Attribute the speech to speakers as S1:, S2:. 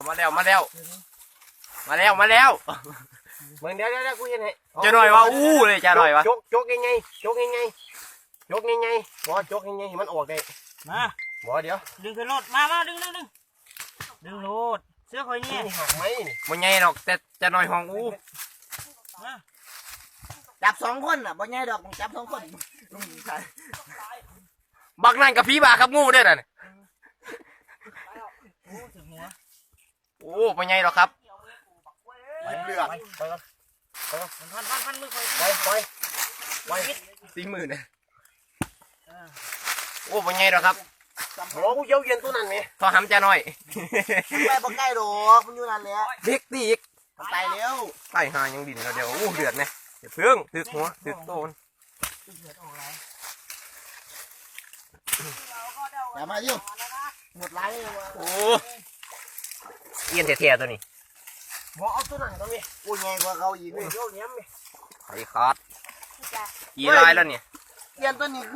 S1: มาแล้วเ
S2: มึงเดี๋ยวกูเห็นให้
S1: จะหน่อยว่าอู้เลยจะหน่อยวะ
S2: จกยังไงบอจกยังไงมันออกได้
S3: มา
S2: บอเดี๋ยว
S3: ดึงขึ้นรถมาดึงรถเสื้อคอยเนี่ย
S2: หักไหม
S1: มันใหญ่หรอกแต่จะหน่อยห้องอู้
S4: จับ2 คนอ่ะบ่ใหญ่ดอกจับ2 คน
S1: บักนั่นกับพี่บาครับงูเด้อน่ะโอ้มันใหญ่หรอกครับ
S2: เลือกไป
S3: พันมือคอย
S2: ไป
S1: 40,000เนี่ยโอ้มันใหญ่หรอกครับ
S2: โอ้กูเย้าเย็นตัวนั้นไง
S1: พอหำจะหน่อย
S4: ไปบ่ใกล้ดอกมันอยู่นั่นแหละ
S1: เด็กตีอีก
S4: มันตายแล้ว
S1: ไต่หายังดินแล้วเดี๋ยวอู้เดือดเนี่ยเดี๋ยวเพิ่งตึกหัวตึกโตน
S4: อย่ามายุ่งหมดไร
S1: โอ้เอียนเทียตัวนี้
S2: บอเอาตัวนั้นก็มี
S4: กูใหญ่กว่าเขาอีกเลย
S2: เย้าเนี้ยมี
S1: ไอ้ขาดกี่ลายแล้วเนี่ย
S4: เอียนตัวนี้